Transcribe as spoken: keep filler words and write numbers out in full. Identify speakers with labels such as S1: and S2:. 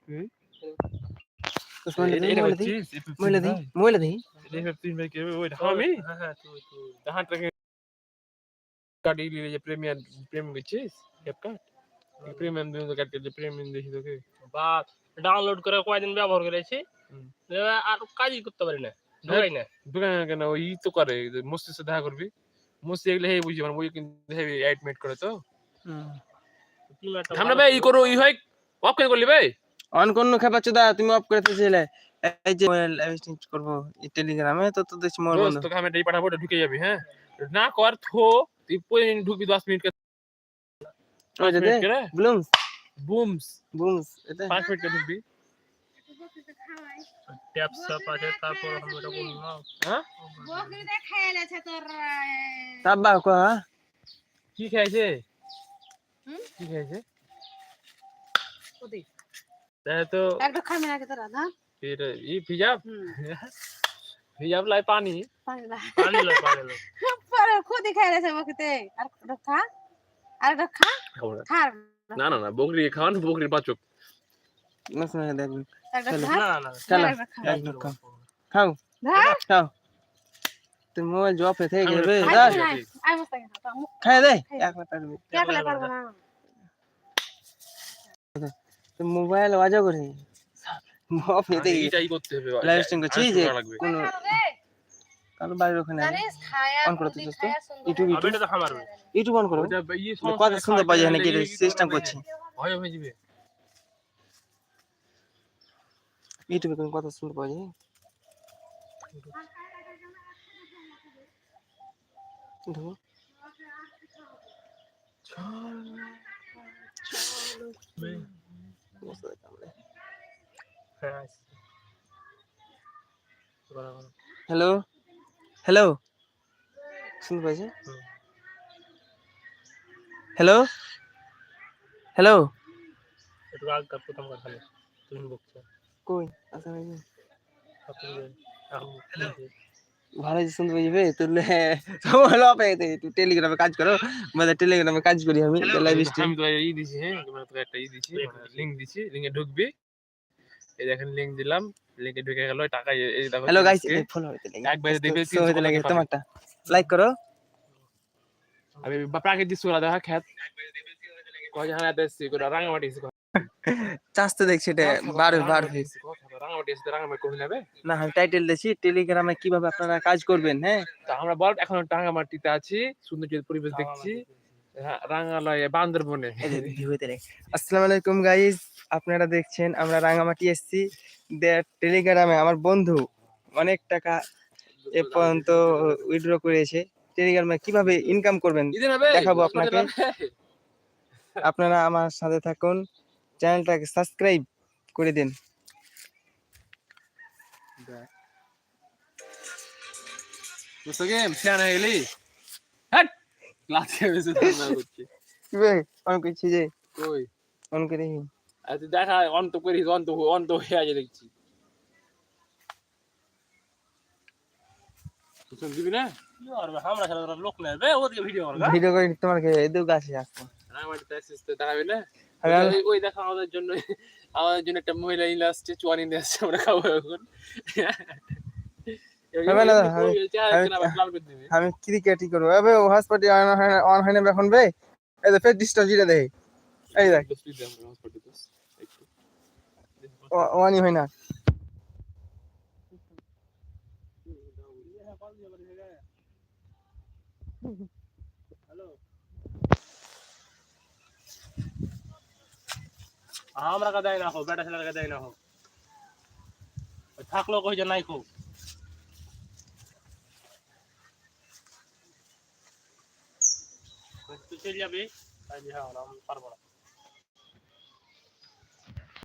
S1: mobile দি mobile দি mobile দি
S2: এটা তিন ভাই কে ওই আমি হ্যাঁ হ্যাঁ তুই তুই তাহার থেকে কাটি লিয়ে যে প্রিমিয়াম প্রিমিয়াম গেছিস ক্যাপকাট প্রিমিয়াম দিন তো কাট যে প্রিমিয়াম দেখি তোকে
S3: বা ডাউনলোড করে কয়দিন ব্যবহার করেছি আর কাজই করতে পারি না ঢোকাই না
S2: দোকান কেন ওই তো করে মুস্তির সাথে দেখা করবি মুস্তি এগুলো হেই বুঝি মানে ওই কিন্তু হেভি অ্যাডমিট করে তো আমরা ভাই ই করো ই হয় অফ কেন করলি ভাই
S1: অন কোন খেপাচ্ছ দা তুমি অফ করে দিছিলে এই যে মোবাইল এক্সচেঞ্জ করব এই টেলিগ্রামে তো তো দেখছি মোর বন্ধ
S2: তোকে আমি এই পাঠাবো ঢুকে যাবি হ্যাঁ না কর থো তুই পরে ঢুকবি দশ মিনিট কে
S1: ওই যে বুমস
S2: বুমস
S1: বুমস এটা
S2: পাঁচ মিনিট কে ঢুকবি
S3: ট্যাপ সব আছে তারপর আমি এটা বললাম
S2: হ্যাঁ
S4: বকরি দে খাইলেছে তোর
S1: তাব্বা কো
S2: কি খাইছে কি খাইছে
S4: ওদি
S2: তাই তো
S4: একটা খামে নাকি তোরা না
S2: फिर ये फिजाब फिजाब लाई पानी
S4: পানি না
S3: পানি লয় পানি লয়
S4: পরে খুদি খাইলেছে বকরিতে আর খা আর খা খা
S2: না না না বকরি খাওয়ান বকরির বাচক
S1: না শুনে দেখ
S4: একটা খা
S3: না না
S1: চলো একদম খাও খাও খাও তুই মোবাইল জব এ থেকে গেবে দা
S4: আই মস্ত খা
S1: খাই দে এক মিনিট পারবি
S4: একলা পারবো না
S1: তুই মোবাইল বাজা করে মফ নিতে
S2: এইটাই করতে হবে
S1: লাইভ স্ট্রিম করছি যে কোন কালো বাইরে ওখানে
S4: জানিস খায়া
S1: অন করতে দোস্ত ইউটিউব
S3: আমি এটা তো খামার
S1: ইউটিউব অন করো
S2: ওটা এই
S1: কত সুন্দর বাজে এখানে কি সিস্টেম করছি
S2: ভয় হয়ে যাবে
S1: ইউটিউবে কোন কত সুন্দর বাজে দেখো হ্যালো হ্যালো শুনতে পাইছে হ্যালো হ্যালো
S3: একটু আগ কাপ প্রথম কথা বলে তুমি বকছো
S1: কই আচ্ছা ভাই
S3: আপনি এখন
S1: ভালো যে শুনতে পাইবে তুলে হলো পেতে তুই টেলিগ্রামে কাজ করো মানে টেলিগ্রামে কাজ করি আমি লাইভ স্ট্রিম
S2: আমি তো এই দিছি হ্যাঁ তোমরা তো একটা ই দিছি লিংক দিছি লিংকে ঢুকবি এই দেখেন লিংক দিলাম লিংকে ঢুকে গেল টাকা এই দেখো
S1: হ্যালো গাইস ফলো হইতে লাগে
S2: একবার দেখবে
S1: তিনশো হইতে লাগে তোমারটা লাইক করো
S2: আমি প্রাকৃতিক সোলা দেখা খেত কয় জানা দেশি করে রাঙামাটি
S1: চাস্তে দেখছি এটা বার বার
S2: রাঙামাটি এসে রাঙামাটি কই নেবে
S1: না আমি টাইটেল দিছি টেলিগ্রামে কিভাবে আপনারা কাজ করবেন হ্যাঁ
S2: তা আমরা বল এখন রাঙামাটিতে আছি সুন্দর পরিবেশ দেখছি রাঙালয়ে বান্দরবনে
S1: আসসালামু আলাইকুম গাইস আপনারা দেখছেন আমরা রাঙামাটি এসেছি টেলিগ্রামে আমার বন্ধু অনেক টাকা এ পর্যন্ত উইথড্র করেছে টেলিগ্রামে কিভাবে ইনকাম করবেন দেখাবো আপনাকে আপনারা আমার সাথে থাকুন চ্যানেলটাকে সাবস্ক্রাইব করে দিন
S2: বুঝছো গেম শেয়ার হয়ে গেলি হ্যাট ক্লাসে বেশি না করছি
S1: কি ভাই অন করছি যে
S2: কই
S1: অন করে
S2: আজ দেখা অন তো করি অন তো অন তো হয়ে আছে দেখছি তুই দিবি না
S3: আর আমরা সারা লোক নেবে ওদিকে ভিডিও করবে
S1: ভিডিও করে তোমাকে এদিকে গাছে আসবো
S2: রাঙামাটিতে আসছিস তো দেখাবি না ওই দেখা আমাদের জন্য আমাদের জন্য একটা মহিলা ইলা আসছে চুয়ানি নিয়ে আসছে আমরা খাবো এখন
S1: আমি ক্রিকেটই করবো এবে হসপিটাল অন হয় না এখন বে এই যে ফের ডিস্টার্ব জিরা দেই এই দেখ ওয়ানি হয় না
S3: আমরা কা দেয় না হো বেটা ছেলের কা দেয় না হো থাকলো কই যে নাই খো তুই চলে যাবি তাই হ্যাঁ আমরা পারবো না